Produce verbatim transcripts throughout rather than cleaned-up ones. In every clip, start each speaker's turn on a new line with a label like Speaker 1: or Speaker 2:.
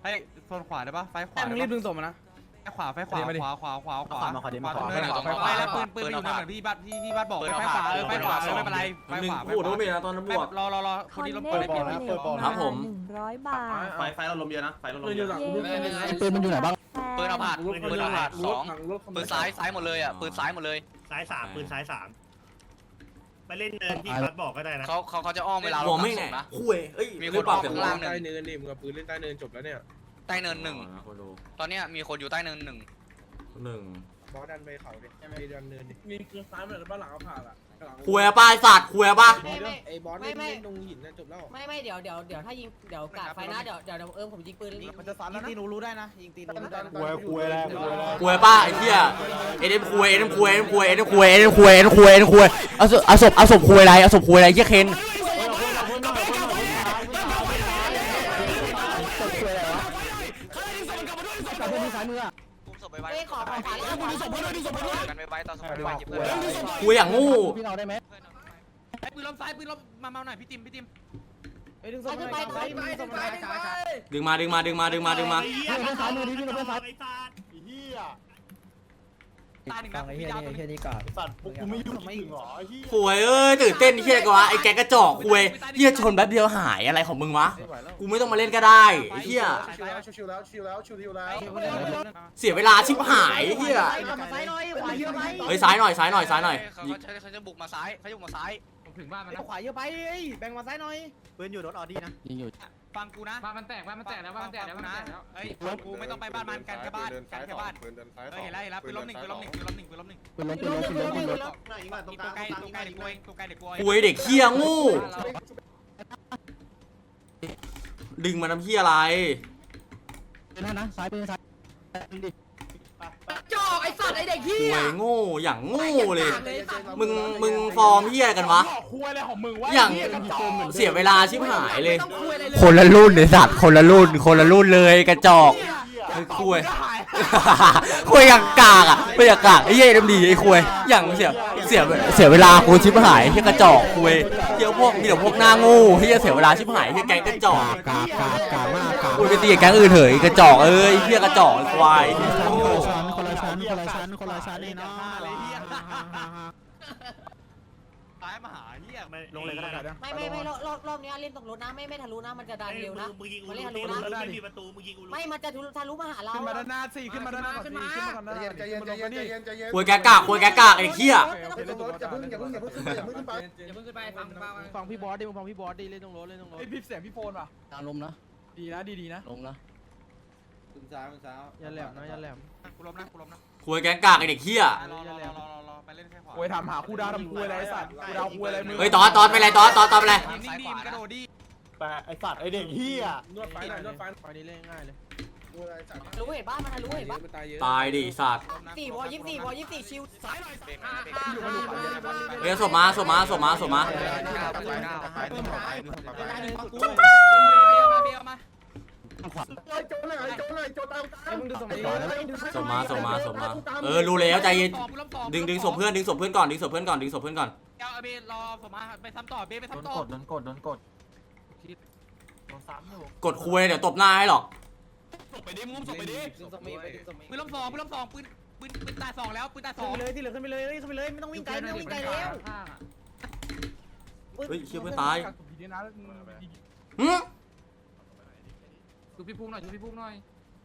Speaker 1: ให้โซนขวาได้ปะไฟขวา
Speaker 2: มึงรีบดึงส่งมานะ
Speaker 1: ไฟขวาไฟขวาขวาขวาขวาขวา
Speaker 3: มาขวาดิมาขวา
Speaker 1: ไฟขวาไฟขวาแล้วปืนปืนอยู่นั่นเหมือนพี่บัตพี่พี่บัตบอกไฟขวาเออไฟขวาไม่เป็นไรไฟขวา
Speaker 4: โอ้โหโดนเมียนะตอนนั้นบวก
Speaker 1: รอรอรอคนนี้ลบปืน
Speaker 4: ครับผม
Speaker 5: หนึ่งร้อยบาท
Speaker 3: ไฟไฟเราลมเยอะนะไฟเราลมเยอะ
Speaker 5: ปืนมันอยู่ไหนบ้าง
Speaker 6: ปืนเอาผ่านปืนเอาผ่านสองปืนซ้ายซ้ายหมดเลยอ่ะปืนซ้ายหมดเลย
Speaker 7: ซ้ายสามปืนซ้ายสามไปเล่นเนินที่คัดบอกก็ได้นะ
Speaker 6: เขาเขาเขาจะอ้อมเวลา
Speaker 4: หั
Speaker 6: เรา
Speaker 4: วไม่
Speaker 6: ส่
Speaker 4: แน่
Speaker 6: งนะ
Speaker 4: คุยเอ้ย
Speaker 6: มีคนออกข้างล่างหนึ่ง
Speaker 2: ใต้เนินนี่มึงกับปืนเล่นใต้เนินจบแล้วเนี่ย
Speaker 6: ใต้เนินหนึ่งตอนเนี้ยมีคนอยู่ใต้เนินหนึ่ง
Speaker 4: หนึ่ง
Speaker 2: บอสดันไปเขาดิไปดันเนินดิมีปืนซ้ายเหมือนบ้านหลังเอาผ่านอ่ะ
Speaker 4: คุยป้าสัตว์คุยป่ะ
Speaker 8: ไม่ไม่
Speaker 2: ไอ้บอสเล่นเล่นตรงหินน่ะจบแล้ว
Speaker 8: ไม่ไม่เดี๋ยวเดี๋ยวเดี๋ยวถ้ายิงเดี๋ยวกาดไฟนะเดี๋ยวเดี๋ยวเอิมผมยิงปืน
Speaker 2: มันจะซ้ำแล้วนะยิงตีนูรู้ได้นะยิงตีนูรู้ได้
Speaker 3: คุยคุยอะไรคุยอะไร
Speaker 4: คุยป้าไอ้เหี้ยเอ็นคุยเอ็นคุยเอ็นคุยเอ็นคุยเอ็นคุยเอ็นคุยเอ็นคุยเอาศพเอาศพเอาศพคุยอะไรเอาศพคุยอะไรเหี้ยเคน
Speaker 8: เอ้ยขอขอขวาเลยขอขวาเลย
Speaker 6: กันไปไว้ตอนสมัยไปยิบเลย
Speaker 4: คุยอย่างงู
Speaker 5: พี่เราได้ไหม
Speaker 1: ไอ้ปืนล้มซ้ายปืนล้มมาเมาหน่อยพี่ติมพี่ติม
Speaker 2: ไอ้ดึงส่งไปไปไปส่งไป
Speaker 4: ดึงมาดึงมาดึงมาดึงมาดึงมา
Speaker 7: ไอ้เหี้ยไอ้สัตว์ไอ้เหี้ย
Speaker 1: ตายหนึ่งนะ
Speaker 5: ไอ้เหี้
Speaker 1: พี่
Speaker 5: ย
Speaker 1: ดาว
Speaker 5: นี่
Speaker 1: ตัว
Speaker 5: แค่
Speaker 1: นี้
Speaker 5: นี้ก่อน
Speaker 3: สัตว์พวกกูไม่ยุ่งไม่ถึงหรอเหี้ย
Speaker 4: คุยเอ้ยตื่นเต้นเหี้ยกว่าไอ้แกกระจอกคุยเหี้ยชนแป๊บเดียวหายอะไรของมึงวะกูไม่ต้องมาเล่นก็ได้ไอ้เหี้ย
Speaker 3: ชิวแล้วชิวแล้วชิวแล้วชิวแล้ว
Speaker 4: เสียเวลาชิบหายเหี้ย
Speaker 8: ซ้ายหน่อยขวาเยอะไป
Speaker 4: เฮ้ยซ้ายหน่อยซ้ายหน่อยซ้ายหน่อย
Speaker 6: เขาเขาเขาจะบุกมาซ้ายเขาจะบุกมาซ้าย
Speaker 1: ผมถึงบ้านมันนะ
Speaker 2: ขวาเยอะไปแบ่งมาซ้ายหน่อย
Speaker 3: ปืนอยู่รถออดี้นะ
Speaker 5: ยิงอยู่
Speaker 1: ฟังกูนะบ้านมันแตกบ้านมันแตกแล้วบ้านมันแตกแล้วนะเฮ้ยฟังกูไม่ต้องไปบ้านมันกันแค่บ้านกันแค่บ้านเฮ้ยเห็นแล้วเห็นแล้วปืนล้มหนึ่งปืนล้มหนึ่งปืนล้มหนึ่งปืนล้มหนึ่ง
Speaker 5: ปืนล้มปืนล้มปืนล้มปืนล้ม
Speaker 3: ไหนมาตรงก
Speaker 1: ตั
Speaker 3: ลาว ง
Speaker 1: ใกล้ตัวใกล้เด็กกล้วยตัวใกล้เด็กกล้วย
Speaker 4: คุยเด็กเหี้ยงูดึงมาทำเหี้ยอะไร
Speaker 5: ปืนนะซ้ายปืนซ้ายดิ
Speaker 8: จ่อไอ้สัตว์ไอ้เด็กที่
Speaker 4: คุยโง่อย่างโง่เลยมึงมึงฟอร์มเหี้ยกันวะ
Speaker 2: คุยอะไรของมึงวะ
Speaker 4: อย่างเสียเวลาชิบหายเลย
Speaker 8: ต้องคุยอะไรเลย
Speaker 4: คนละรุ่นเลยสัตว์คนละรุ่นคนละรุ่นเลยกระจอกไอ้คุยคุยอย่างกากอ่ะไม่อยากกากไอ้เย่ดำดีไอ้คุยอย่างเสียเสียเสียเวลากูชิบหายที่กระจอกคุยเที่ยวพวกมีแต่พวกหน้าโง่ที่จะเสียเวลาชิบหายที่แก๊งกระจอก
Speaker 5: กากกากกากมากกาก
Speaker 4: คุยไปตีแก๊งอื่นเถอะกระจอกเอ้ยเที่ยกระจอกควาย
Speaker 5: คนละชั้นคนละชั้นคนละชั้นนี่เนาะ
Speaker 1: ตายมาหาเหี้ย
Speaker 3: ลงเลยก็ได้นะ
Speaker 8: ไม่ไม่ไม่รอบรอบนี้เล่นตรงรถนะไม่ไม่ทะลุนะมันจะดันเร็วนะ
Speaker 7: มึงยิงกู
Speaker 8: มัน
Speaker 7: รู้
Speaker 8: เล่นทะลุนะ
Speaker 7: ไม่มีประตูมึงยิงกูรู้
Speaker 8: ไม่มันจะทะลุทะลุมาหาเรา
Speaker 2: ขึ้นมาด้านหน้าสี่ขึ้นมาด้านหน้าขึ้นมาขึ้นมาก่อนนะ
Speaker 3: ใจเย็นใจเย็นใจเย็นใจเย็น
Speaker 4: คุยแกกากคุยแกกากไอ้เที่ย
Speaker 3: อย่าเพิ่งอย่าเพิ่งอย่าเพิ่งอย่าเพิ่งขึ้นไปอย่าเพิ่งขึ้นไป
Speaker 8: อย่าเพิ่งขึ้นไปฟังฟัง
Speaker 2: ฟังพี่บอสดิมึงฟังพี่บอสดิเล่นตรงรถเล่นตรงรถไอ้พี่เสียงพี่โฟนป่ะ
Speaker 5: ทางลมนะ
Speaker 2: ดีนะดีดีนะ
Speaker 5: ลงนะ
Speaker 2: อย่าแหลมนะอย่าแหลม
Speaker 1: กูล้มนะกูล้มนะ
Speaker 4: คุยแกกากไอ้เด็กเที่ย
Speaker 1: รอรอรอรอรอไปเล่นแค่ขวา
Speaker 2: โอ้ยถามหาคู่ดาวทำคู่อะไรไอ้สัตว์คู่ดาวคู่อะไรมึง
Speaker 4: เฮ้ยตอนตอนไปเลยตอนตอนตอนไปเลย
Speaker 1: นิ่งดีมันกระโดดดี
Speaker 3: แต่ไอสัตว์ไอเด็กเหี้ย
Speaker 2: นวดไฟหน่อยนวดไฟไฟนี้เล่นง่ายเลย
Speaker 8: ทะลุเห็นบ้านมันทะลุเห็นบ้าน
Speaker 2: มันตายเยอะ
Speaker 4: ตายดิสัตว์
Speaker 8: สี่วอยี่สี่วอยี่สี่ชิวซ้ายหน่อย
Speaker 4: เฮ้ยสมมาสมมาสมมาสมมา
Speaker 1: กูเบียมาเบียมา
Speaker 3: โจหน่อยโจหน่อยโจตาม
Speaker 2: ไอ้มึงดูสมัย
Speaker 4: สมมาสมมาสมมาเออรู้แล้วใจเย็น
Speaker 1: ต่อกูล้มต่อ
Speaker 4: ดึงดึงศพเพื่อนดึงศพเพื่อนก่อนดึงศพเพื่อนก่อนดึงศพเพื่อนก่อน
Speaker 1: เอาเบรอผมมาไปซ้ำต่อเบไปซ้ำต่อก
Speaker 3: ดโดนกดโดนกด
Speaker 4: กดคุยเดี๋ยวตบหน้าให้หรอก
Speaker 2: ดึงสมัยไปดึงสมัย
Speaker 1: ปืนล้มสองปืนล้มสองปืนปืนปืนตายสองแล้วปืนตายส
Speaker 2: ขึ้
Speaker 1: อน ง
Speaker 2: ไปเลยที่เหลือขึ้นไปเลยขึ้นไปเลยไม่ต้องวิ่งไกลไม่ต้องวิ่งไกลแล้ว
Speaker 4: เฮ้ยเชี่ยเพื่อนตาย
Speaker 2: หื
Speaker 4: หืม
Speaker 1: ดูพี่พุ่งหน่อยดูพี่พุ่งหน่อย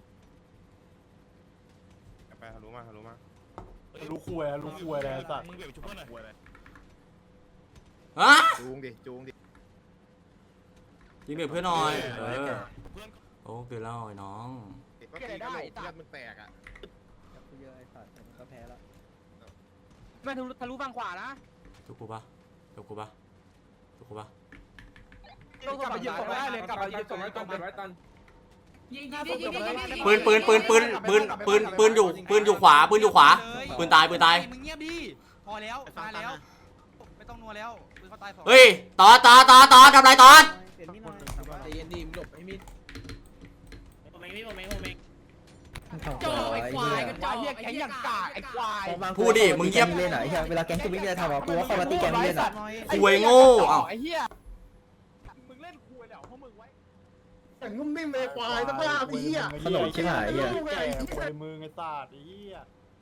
Speaker 9: ไปทะลุมาทะลุมา
Speaker 3: รู้คุยรู้คุยอะไรสัตว์
Speaker 9: มึงเบี่ยงชุบเพื่อนหน่อย
Speaker 4: ฮะ
Speaker 9: จูงดิจูงดิ
Speaker 4: ยิงเด็กเพื่อนหน่อยเออโอ้เกินแล้วไอ้น้อง
Speaker 9: ก็ตีกระโหลกเลือดมึงแตกอ่ะ
Speaker 5: เยอะไอ้สัตว์ก็แพ้แล้ว
Speaker 1: ไม่ทะลุทะลุฝั่งขวานะ
Speaker 4: ทุกกูปะทุกกูปะทุกกูปะ
Speaker 2: กลับไปยืนตรงได้เลยกลับไปยืนตรงไว้ตรงไว้ตัน
Speaker 8: ยิงยิงยิงยิงยิง
Speaker 4: ปืนปืนปืนปืนปืนปืนปืนอยู่ปืนอยู่ขวาปืนอยู่ขวาปืนตายปืนตาย
Speaker 1: มึงเงียบดิพอแล้วมาแล้วไม่ต้องนัวแล้วปืนเขาตายสอง
Speaker 4: เฮ้ยต่อต่อต่อต่อทำไรต่อ
Speaker 2: เปลี่ยนมีดหน่อยใจเย็นดีมึงหลบไอ้มีด
Speaker 7: ผมเองนี่ผมเองผมเอง
Speaker 8: จ่อไอ้ควายกระจอก
Speaker 2: เฮียแข็งอย่างกากไอ้ควาย
Speaker 4: พูดดิมึงเงียบ
Speaker 5: เล่นไหนเวลาแก๊งจะวิ่งจะทำอ่ะกูว่าเข้ามาตีแก๊งเล่นอ่ะ
Speaker 4: คุยโง่เอ้า
Speaker 2: ไอ้เหี้ยมึงเล่นคุยแล้วพวกมึงไว้
Speaker 5: ไ
Speaker 3: แต่งุ่มนิ่มเลยควายสภาพไอ้เหี้ย
Speaker 5: ขนมชิบหายเหี้ย
Speaker 3: แก่ควยมือไอ้สัตว์ไอ้เหี้ย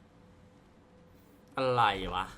Speaker 4: อะไรวะ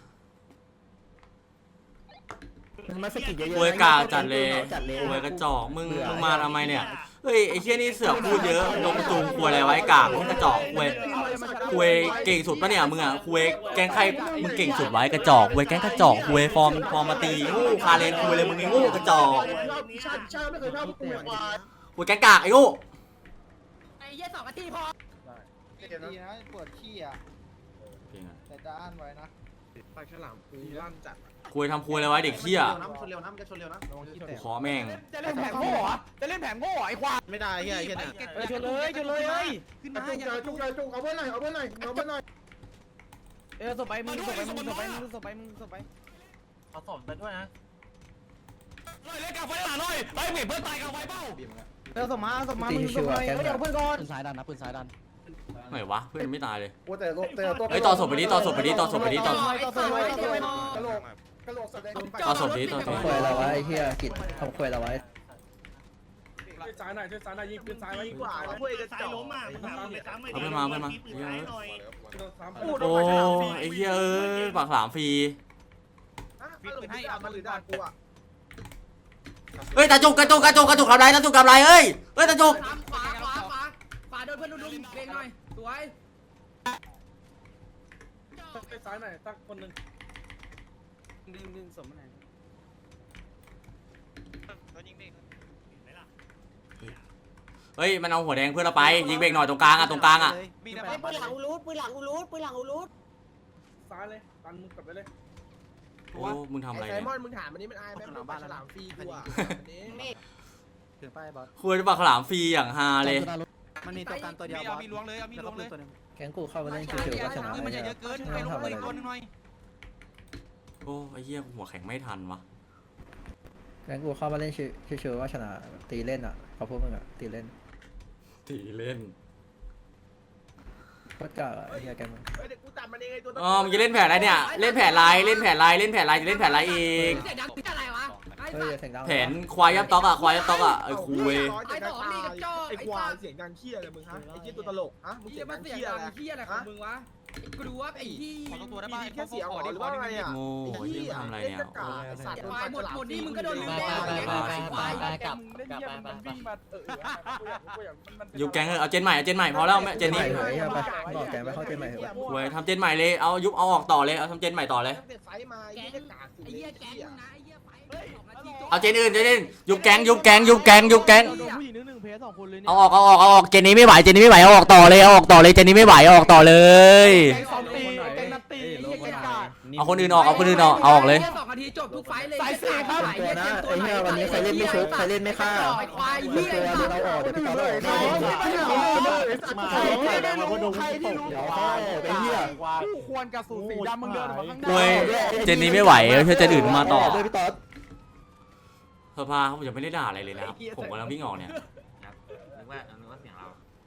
Speaker 5: มาสกิดเยอะ
Speaker 4: ควยกาจัดเลยควยกระจอกมึงมึงมาทำไมเนี่ยเฮ้ยไอ้เหี้ยนี่เสือกพูดเยอะลงจูงควยอะไรไว้กากกระจอกควยควยเก่งสุดปะเนี่ยมึงอ่ะควยแกงใครมึงเก่งสุดไว้กระจอกควยแกงกระจอกควยฟอร์มฟอร์มมาตีงูคาเลนควยเลยมึงไอ้งูกระจอก
Speaker 3: ชาติชาติไม่เคยชอบกูควาย
Speaker 4: ควยแกงกากไอ้งู
Speaker 8: ไอ้เหี้ยสองนาทีพอ
Speaker 2: ดีนะปวดขี้อ่ะแต่จะอ่านไว้นะปลาฉลามปูลั่นจัด
Speaker 4: ควยทำควยอะไรไว้เด็กเหี้ย
Speaker 2: ชนเร็วนะมันจะชนเร็วนะระวังขี้แตก
Speaker 4: ขอแม่ง
Speaker 1: จะเล่นแผงโง่เหรอจะเล่นแผงโง่เหรอไอ้ควาย
Speaker 2: ไม่ได้เฮียเฮียเนี่ย
Speaker 1: ชนเลยชนเลยเฮ้ยขึ้นมา
Speaker 3: จุก
Speaker 1: อย่า
Speaker 3: จุกจุกเอาเพื่อนหน่อยเอาเพื่อนหน่อยเอาเพื่อนหน่อย
Speaker 1: เออส่งไปมึงส่งไปมึงส่งไปมึงส่งไปมึงส่งไป
Speaker 3: เอาศพไปด้วยนะ
Speaker 1: เล่นกับไฟหลาหน่อยไปเพื่อนตายกับไฟเป้า
Speaker 2: เออส่งมาส่งมามึงส่งไปเฮ้ยเอาเพื่อนก่อน
Speaker 5: ปืนซ้ายดันนะปืนซ้ายดัน
Speaker 4: ไหนวะเพื่อนไม่ตายเลย
Speaker 3: โอ้แต่แต่ตัว
Speaker 4: เฮ้ยต่อศพไปดิต่อศพไปดิต่อศพไปดิต่อ
Speaker 3: ต่อศพไปกระโหลกกระโหลกแสดง
Speaker 4: ต่อศพดิต่อศพ
Speaker 5: ควยเราไว้เฮียกิดทำควยเราไว้
Speaker 2: ช่วยซ้ายหน่อยช่วยซ้ายหน่อยยิงปืนซ้ายไว้ยิงขวา
Speaker 7: เพื่อนซ้ายล้มอ่ะไปซ้ำไปซ้ำไป
Speaker 4: เอาเพื่อนมาเพื่อนมา
Speaker 7: ปืนซ้ายหน่อย
Speaker 4: โอ้ไอ้เหี้ยเอ้ยปากหลามฟรี
Speaker 2: ฟิตให้เอามาหรือด่ากูอ่ะ
Speaker 4: เฮ้ยตาจุกกระจุกกระจุกกระจุกทำไรตาจุกทำไรเอ้ยเฮ้ยตาจุก
Speaker 8: ขวาขวาขวาขวาขวาโดนเพื่อนดุมเบรกหน่อยสวย
Speaker 2: ช่วยซ้ายหน่อยตั้งคนหนึ่ง
Speaker 1: ดึงดึงสมไหน
Speaker 4: เฮ้ยมันเอาหัวแดงเพื่อนเราไปยิงเบรกหน่อยตรงกลางอ่ะตรงกลางอ่ะ
Speaker 1: มี
Speaker 8: ไอ้
Speaker 1: แต่
Speaker 8: ปืนหลังอูรูดปืนหลังอูรูดปืนหลังอูรูด
Speaker 2: ซ้ายเลยตันมึงกลับไปเลย
Speaker 4: โอ้มึงทำอะไร
Speaker 2: ไซ
Speaker 4: เนี่ย
Speaker 2: มอนมึงถามอันนี้มันอายไหมมึงปลาฉลามฟรีกูอ่ะนี่
Speaker 5: ถึงป้ายบอส
Speaker 4: คุยปากหลามฟรีอย่างฮาเลย
Speaker 5: มันมีตัวการตัวเดียว
Speaker 1: มีเอามีล้วงเลยเอามีล้วงเลย
Speaker 5: แกงกูเข้ามาเล่นชิวๆก็ชนะ
Speaker 1: มันจะเยอะเกินไปลงเลยตัวนึงหน่อย
Speaker 4: โอ้ไอ้เหี้ยหัวแข็งไม่ทันวะ
Speaker 5: แกงกูเข้ามาเล่นชิวๆก็ชนะตีเล่นอ่ะเขาพูดมึงอ่ะตีเล่น
Speaker 4: ตีเล่น
Speaker 5: โคตรกล้าไอ้เฮียแกมึง
Speaker 2: เฮ้ยเด็กกูตัดมันเองไอ้ตัว
Speaker 4: อ๋อมึงจะเล่นแผนอะไรเนี่ยเล่นแผนลายเล่นแผนลายเล่นแผนลายจะเล่นแผนลายเอง
Speaker 8: เสียงดังเป็นอะไรวะไอ้
Speaker 5: เฮ้ย
Speaker 8: สัตว์
Speaker 5: เสียงดัง
Speaker 4: แผนควายยับต๊อกอ่ะควายยับต๊อกอ่ะไอ้คุย
Speaker 2: ไอ้สองนี่กับจอไอ้ควายเสียงดังเคี้ยเลยมึงฮะไอ้เคี้ยตัวตลกฮะมึง
Speaker 8: เฮี
Speaker 2: เสี
Speaker 8: ย
Speaker 2: ยง
Speaker 8: มั
Speaker 2: ดั
Speaker 8: น
Speaker 2: ง
Speaker 8: เสียง
Speaker 2: เคี้ย
Speaker 8: ดั
Speaker 2: อะไร
Speaker 8: งเฮียอะไรของมึงวะกลัวไอ้ที่
Speaker 1: ขอตัวได้ป่ะ
Speaker 2: มีแค่เสียงหรอหรือว่าอะไรอ่ะ
Speaker 4: โง่ไอ้เหี้ยทำอะไรเนี่ย
Speaker 2: ไอ้สัตว์โดน
Speaker 8: ควายหมดหมดนี่มึงก็โดน
Speaker 5: ไป
Speaker 8: ลืม
Speaker 5: ไป
Speaker 8: แล้ว
Speaker 5: ไปไปไปกลับ
Speaker 2: เล่น
Speaker 5: กลับ
Speaker 2: เยี่ย
Speaker 5: ไป
Speaker 2: ม
Speaker 5: ไป
Speaker 2: มัน
Speaker 5: ไป
Speaker 2: วิ่งมาเออกูอยากมัน
Speaker 4: ยุบแก๊งเถอะเอาเจนใหม่เอาเจนใหม่พอแล้วเจนนี้
Speaker 5: เฮ้ยไปบอกแกไปเข้าเจนใหม่เถอะ
Speaker 4: คุยทำเจนใหม่เลยเอายุบเอาออกต่อเลยเอาทำเจนใหม่ต่อเลย
Speaker 2: ตั้งแต่ไฟมาไอ้เหี้ยกากสุด
Speaker 8: ไอ้
Speaker 2: เล
Speaker 8: เหี้ย
Speaker 2: ย
Speaker 8: แก๊งมึงนะไอ้เหี้ยไปสองนาทีจบ
Speaker 4: เอาเจนอื่นเจนอื่นยุบแก๊งยุบแก๊งยุบแก๊งยุบแก๊ง
Speaker 2: โดนผู้หญิงนึงหนึ่งเพสสองคนเลยเนี่ย
Speaker 4: เอาออกเอาออกเอาออกเจนนี้ไม่ไหวเจนนี้ไม่ไหวเอาออกต่อเลยเอาออกต่อเลยเจนนี้ไม่ไหวเอาออกต่อเลย
Speaker 2: แกงซ้อมตีแกงนัดตีไอ้เหี้ยแกงกาก
Speaker 4: เอาคนอื่นออกเอาคนอื่นออกเอาออกเลย
Speaker 8: สองนาทีจบทุกไฟเลย
Speaker 2: สายสี่ครับ
Speaker 5: ตัวนะไอ้เฮียวันนี้ใครเล่นไม่ชุบใครเล่นไม่ฆ่า
Speaker 8: ไอ้ควาย
Speaker 5: ตัว
Speaker 8: เหี้ย
Speaker 5: เดี๋ยวเราออกเดี๋ยวพี่ต่อเราออก
Speaker 2: ใครที่ไม่รู้ใครที่ไม่รู้ใครที่รู้
Speaker 5: เดี๋ยวเขาออกไอ้เฮีย
Speaker 2: ผู้ควรกับสูสีดำมึงเดินออกมาข้างห
Speaker 4: คุ
Speaker 2: น้าย
Speaker 4: เจนนี้ไม่ไหวเอาเชื่อเจนอื่นมาต่อ
Speaker 5: ด้วยพี่ต๊อด
Speaker 4: สภาเขาจะไม่ได้ด่าอะไรเลยนะครับผมกำลังวิ่งออกเนี่ย
Speaker 1: นึกว่านึกว่าเสียงเรา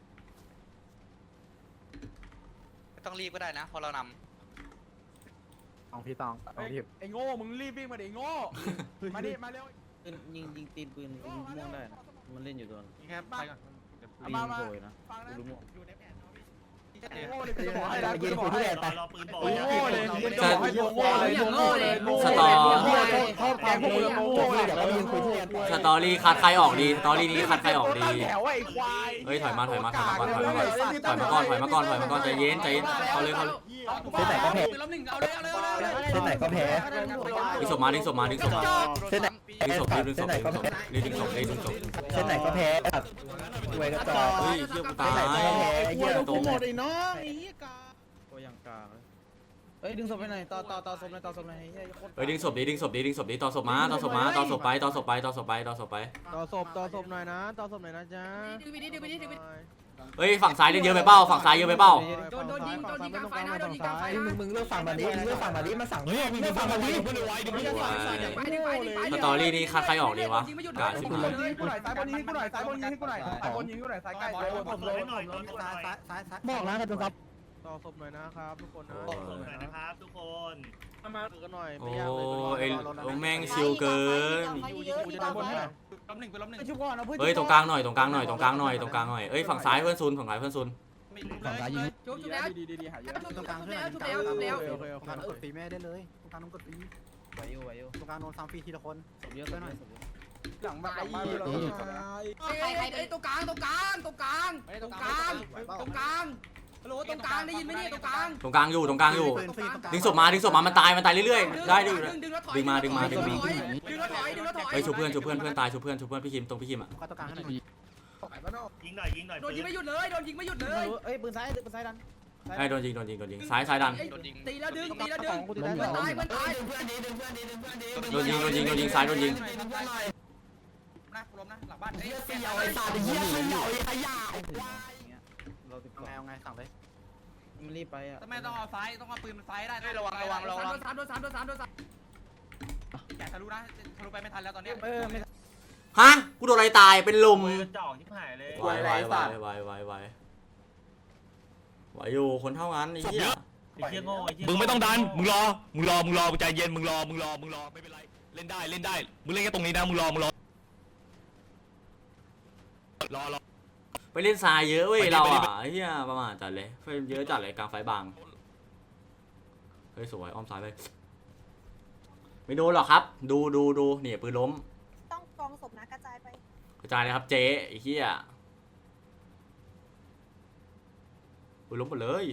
Speaker 6: ไม่ต้องรีบก็ได้นะพอเราน
Speaker 3: เอาพี่ตองเอาพี่
Speaker 2: ไอ้โง่มึงรีบวิ่งมาดิไอ้โง่มาดิมาเร็ว
Speaker 1: ยิงยิงตีนปืนยิงม่วงได้นะมันเล่นอยู่ตัวนี้แค่ไปก่อน
Speaker 2: มามาฟังนะอยู่ในแผนโง่เลยกูจะบอกให้นะกูจะบอกให้
Speaker 7: รอปืนบอ
Speaker 2: โง่เลย
Speaker 4: จะ
Speaker 2: โง่เลยโง่เลย
Speaker 4: สตอ
Speaker 2: ชอบแกงพวกมึงโง่เลย
Speaker 5: เดี๋ยวเรายืนคุยที่แลนด์
Speaker 4: สตอรี่คัดใครออกดีสตอรี่นี้คัดใครออกดี
Speaker 2: แถวไอ้ควาย
Speaker 4: เฮ้ยถอยมาถอยมาถอยมาก่อนถอยมาก่อนถอยมาก่อนถอยมาก่อนถอยมาก่อนใจเย็นใจเย็นเอาเลยเขาเลย
Speaker 5: เส้นไหนก็แพ้
Speaker 8: ล้มหนึ่งเอาเลยเอาเลยเอาเลย
Speaker 5: เส้นไหนก็แพ้
Speaker 4: ดึงศพมาดึงศพมาดึงศพมา
Speaker 5: เส้นไหน
Speaker 4: ดึงศพดึงศ
Speaker 5: เส้น
Speaker 4: พ
Speaker 5: ไหน
Speaker 4: ดึง
Speaker 5: ก็
Speaker 4: ศพ
Speaker 5: แพ้
Speaker 4: ดึงศพดึงศพ
Speaker 5: เส้นไหนก็แพ้ครับรวยกระจอก
Speaker 4: เฮ้ยเชี่ยกูตา
Speaker 5: เส้นไหน
Speaker 4: ย
Speaker 5: ก็แพ้เยี่ย
Speaker 4: ตรง
Speaker 2: หมดไอ้น้องไอ้กา
Speaker 1: ตัวอย่างกลางเฮ้ยดึงศพไปไหนต่อต่อต่อศพไหนต่อศพไหนเฮ้ยโคตร
Speaker 4: เฮ้ยดึงศพดิดึงศพดิดึงศพดิต่อศพมาต่อศพมาต่อศพไปต่อศพไปต่อศพไปต่อศพไป
Speaker 2: ต่อศพต่อศพหน่อยนะต่อศพหน่อยนะจ๊ะ
Speaker 8: ดึงไปดิดึงไปดิดึงไปดิ
Speaker 4: เฮ้ยฝั่งซ้ายเล่นเยอะไปเป้าฝั่งซ้ายเยอะไปเป้า
Speaker 8: โดนโดนยิงโดนยิงกลางไฟนะโดนยิงกลางไฟ
Speaker 5: มึงมึงเลือกฝั่งมาดิมึงเลือกฝั่งมาดิมาสั่งเนี่ยมึงเลือกฝั่งมาดิ
Speaker 8: ไปดิไปดิไป
Speaker 4: สตอรี่นี้คัดใครออกดีวะกาชิบ
Speaker 2: กู
Speaker 4: หาย
Speaker 2: ยิงกูหน่อยซ้ายบนยิงกูหน่อยซ้ายบนยิงกูหน่อยซ้ายบนยิงกูหน่อยซ้ายใกล้ซ้ายบน
Speaker 7: ผมเลยหน่อยซ้ายซ้ายซ้าย
Speaker 5: บอกนะกระจกครับ
Speaker 3: ต่อศพหน่อยนะครับทุกคนนะ
Speaker 7: ขอบคุณนะครับทุกคน
Speaker 3: มากันหน่อย
Speaker 4: โอ้ไอ้โอ้แม่งชิวเกิน
Speaker 8: กูจะได้บนให้
Speaker 1: ล้มหนึ่งไปล้มหนึ่ง
Speaker 2: ชุบก่อนเอาเพื่อน
Speaker 4: เฮ้ยตรงกลางหน่อยตรงกลางหน่อยตรงกลางหน่อยตรงกลางหน่อยเอ้ยฝั่งซ้ายเพื่อนซุนฝั่งซ้ายเพื่อนซุน
Speaker 1: ฝั่งซ้ายยิง
Speaker 8: จุ๊บจุ๊บแล้ว
Speaker 3: ดีดีดีหายเยอะ
Speaker 8: จุ๊บแล้วจุ๊บแล้วจุ๊บแล้วจุ๊บแล้ว
Speaker 3: โอเคโอเคตรงกลางกดตีแม่ได้เลยตรงกลางกดตี
Speaker 2: ไหวอยู่ไหวอยู่
Speaker 3: ตรงกลางโดนซ้ำฟรีทีละคนศพเยอะไปหน่อย
Speaker 2: หลังบ้านหลังบ้านเรา
Speaker 8: ใครใครใครตรงกลางตรงกลางตรงกลางตรงกลางตรงกลางฮัลโหลตรงกลางได้ยินไหมเนี่ยตรงกลาง
Speaker 4: ตรงกลางอยู่ตรงกลางอยู่ดึงศพมาดึงศพมามันตายมันตายเรื่อยๆได้ดึง
Speaker 8: ดึงแล้วถอย
Speaker 4: ดึงมาดึงมาดึงมา
Speaker 8: ดึงแล้วถอยดึงแล้วถอย
Speaker 4: เฮ้ยชูเพื่อนชูเพื่อนเพื่อนตายชูเพื่อนชูเพื่อนพี่คิมตรงพี่คิมอ่ะ
Speaker 3: ตรงกลางให้หน่อย
Speaker 7: ยิงหน่อยยิงหน่อย
Speaker 8: โดนยิงไม่หยุดเลยโดนยิงไม่หยุดเลย
Speaker 2: เอ้ยปืนซ้ายปืนซ้ายดัน
Speaker 4: ไอ้โดนยิงโดนยิงโดนยิงซ้ายซ้ายดัน
Speaker 8: ตีแล้วดึงตีแล้วดึงเพื่อนตายเพื่อนตาย
Speaker 4: โดนยิงโดนยิงโดนยิงซ้ายโดนยิง
Speaker 1: นะล้มนะหลังบ้านเฮ้ย
Speaker 3: เยี่ยมเยี่ยมขยะเราติดไงเอาไงสั่งเลย
Speaker 2: มันรีบไปอ่ะ
Speaker 1: ทำไมต้องเอาซ้ายต้องเอาปืนมันซ้ายได้
Speaker 6: ระวังระวังระวัง
Speaker 8: โดนสามโดนสามโดนสามโดนสาม
Speaker 1: แกทะลุนะทะลุไปไม่ทันแล้วตอนนี้
Speaker 2: เออไม่
Speaker 4: ฮะกูโดนอะไรตายเป็นลม
Speaker 7: มือจ่อกที่หายเลยว
Speaker 4: ายวายวายวายวายวายไหวอยู่คนเท่านั้นไอ้เหี้ย
Speaker 7: ไอ้เหี้ยโง่ไอ้เหี้ย
Speaker 10: มึงไม่ต้องดัน มึงรอ มึงรอ มึงรอ มึงใจเย็น มึงรอ มึงรอ มึงรอ ไม่เป็นไร เล่นได้ เล่นได้ มึงเล่นแค่ตรงนี้นะ มึงรอ มึงรอ รอรอ
Speaker 4: ไปเล่นทรายเยอะเว้ย
Speaker 10: ไปดิ
Speaker 4: เรา
Speaker 10: ไปดิ
Speaker 4: อ่ะไอ้เหี้ยประมาทจัดเลยเฟรมเยอะจัดเลยกลางไฟบางเฮ้ยสวยอ้อมซ้ายไปไม่โดนหรอกครับ ดูดูดูเนี่ยปืนล้ม
Speaker 11: ต้องกองศพนะกระจายไป
Speaker 4: กระจายเลยครับเจ๊ไอ้เหี้ยปืนล้มหมดเลย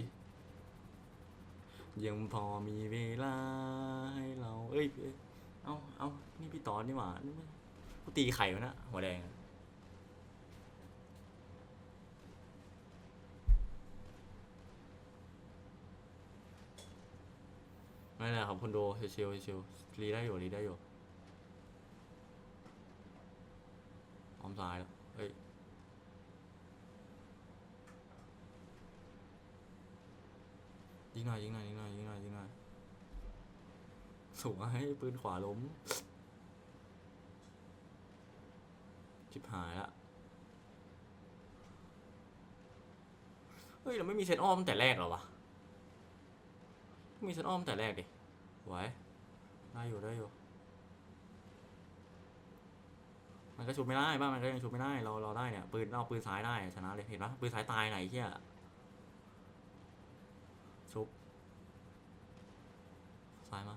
Speaker 4: ยังพอมีเวลาให้เราเอ้ยเอ้ยเอาเอานี่พี่ตอนนี่หว่ากูตีไข่วะนะหัวแดงไม่เลยครับคนดูชิวๆชิวๆรีได้อยู่รีได้อยู่ออมซ้ายแล้วเฮ้ยยิงหน่อยยิงหน่อยยิงหน่อยยิงหน่อยยิงหน่อยสวยปืนขวาล้มชิบหายละเฮ้ยเราไม่มีเซตอ้อมตั้งแต่แรกหรอวะมีเซตอ้อมแต่แรกดิไหวได้อยู่ได้อยู่มันก็ชุบไม่ได้บ้านมันก็ยังชุบไม่ได้เราเราได้เนี่ยปืนเอาปืนซ้ายได้ชนะเลยเห็นปะปืนซ้ายตายไหนเหี้ยชุบซ้ายมา